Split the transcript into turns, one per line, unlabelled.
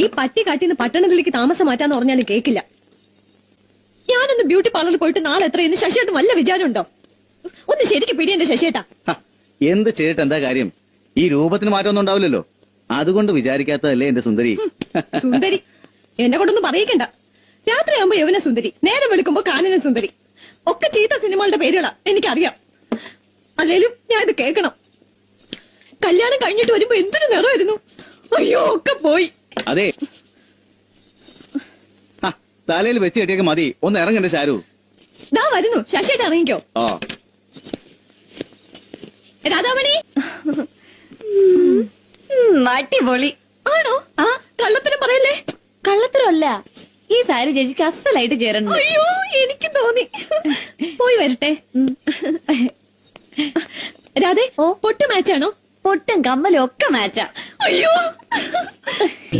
പറ്റി കാട്ടിന്ന് പട്ടണത്തിലേക്ക് താമസം മാറ്റാന്ന് പറഞ്ഞാലും കേക്കില്ല. ഞാനൊന്ന് ബ്യൂട്ടി പാർലറിൽ പോയിട്ട് നാളെ എത്രയെന്ന് ശശിയേട്ടൻ വല്ല വിചാരമുണ്ടോ? ഒന്ന് ശരിക്ക് പിടി എന്റെ ശശിയേട്ടാ.
എന്ത് ചെയ്തിട്ട് എന്താ കാര്യം? ഈ രൂപത്തിന് മാറ്റമൊന്നും ഉണ്ടാവില്ലല്ലോ. അതുകൊണ്ട് വിചാരിക്കാത്തതല്ലേ എന്റെ സുന്ദരി.
സുന്ദരി എന്നെ കൊണ്ടൊന്നും പറയിക്കണ്ട. രാത്രിയാകുമ്പോ യവന സുന്ദരി, നേരം വെളുക്കുമ്പോ കാനന സുന്ദരി, ഒക്കെ ചീത്ത സിനിമകളുടെ പേരുകളാ എനിക്കറിയാം. അല്ലേലും ഞാൻ ഇത് കേൾക്കണം. കല്യാണം കഴിഞ്ഞിട്ട് വരുമ്പോ എന്തൊരു നിറമായിരുന്നു. അയ്യോ ഒക്കെ പോയി.
അതെ, തലയിൽ വെച്ച് കെട്ടിയൊക്കെ മതി. ഒന്ന് ഇറങ്ങണ്ട ശാരു.
ദാ വരുന്നു ശശിയേട്ട, ഇറങ്ങിക്കോ. രാധാമണി
അടിപൊളി
ആണോ? ആ കള്ളത്തരം പറയല്ലേ.
കള്ളത്തരമല്ല, ഈ സാരി ചേച്ചിക്ക് അസലായിട്ട് ചേരണം.
അയ്യോ എനിക്ക് തോന്നി. പോയി വരട്ടെ. രാധേ, പൊട്ട് മാച്ചാണോ?
പൊട്ടും കമ്മലും ഒക്കെ മാച്ചാ.
അയ്യോ